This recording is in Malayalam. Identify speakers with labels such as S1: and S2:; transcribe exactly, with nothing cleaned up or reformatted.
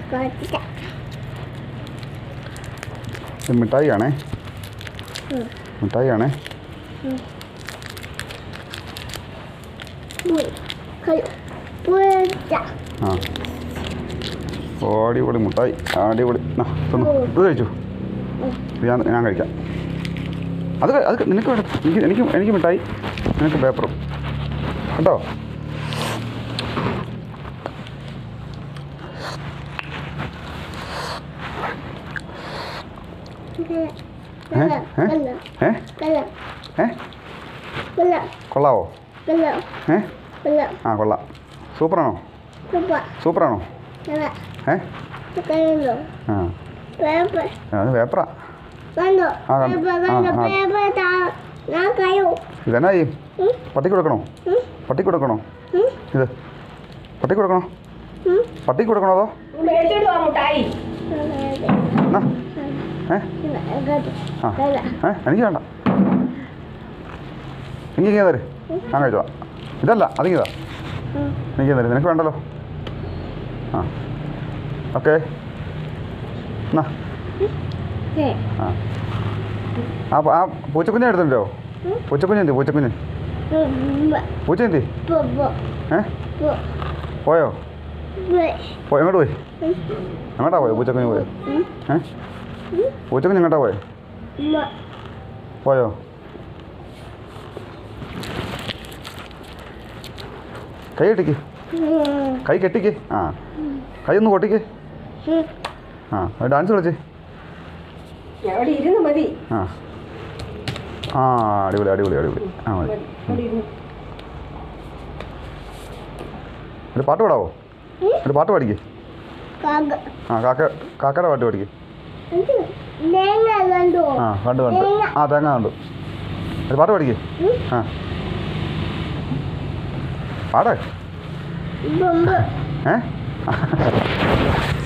S1: മിഠായി ആണേ മിഠായി ആണേ ആ അടിപൊളി മുട്ടായി അടിപൊളി തന്നു ഇത് കഴിച്ചു ഞാൻ ഞാൻ കഴിക്കാം അത് അത് നിനക്ക് വേണം എനിക്ക് എനിക്ക് എനിക്ക് മിഠായി നിനക്ക് പേപ്പറും കേട്ടോ ഏ ഏ ഏ കൊള്ളാവോ ഏ ആ കൊള്ളാം സൂപ്പറാണോ സൂപ്പറാണോ ഏ ആ അത് പേപ്പറാ ഇതെന്നാ ചെയ്യും പട്ടിക്ക് കൊടുക്കണോ പട്ടിക്ക് കൊടുക്കണോ ഇത് പട്ടിക്ക് കൊടുക്കണോ പട്ടിക്ക് കൊടുക്കണോ അതോ ഏ ആ ഏ എനിക്ക് വേണ്ട എനിക്ക് ഇങ്ങനെ തരും ഞാൻ കഴിച്ചോ ഇതല്ല അതിങ്ങിതാ എനിക്ക് തരും നിനക്ക് വേണ്ടല്ലോ ആ ഓക്കെ എന്നാ ആ ആ ആ പൂച്ചക്കുഞ്ഞെ എടുത്തിട്ടുണ്ടോ പൂച്ചക്കുഞ്ഞ് എന്തി പൂച്ചക്കുഞ്ഞ് പൂച്ച എന്തി ഏ പോയോ പോയോ എങ്ങോട്ട് പോയി എങ്ങോട്ടാ പോയോ പൂച്ചക്കുഞ്ഞ് പോയോ ഏ പൂച്ചക്കുഞ്ഞ് എങ്ങോട്ടാ പോയോ പോയോ കൈ കെട്ടിക്ക് കൈ കെട്ടിക്ക് ആ കൈ ഒന്ന് കൊട്ടിക്ക് ആ ഡാൻസ് കളിച്ച് ആ ആ അടിപൊളി അടിപൊളി അടിപൊളി ആ മതി ഒരു പാട്ട് പാടാവോ ഒരു പാട്ട് പാടിക്ക് ആ കാക്ക കാക്കയുടെ പാട്ട് പാടിക്ക് ആ കണ്ടു കണ്ടു ആ തേങ്ങ കണ്ടു ഒരു പാട്ട് പാടിക്ക് ആ പാടേ ഏ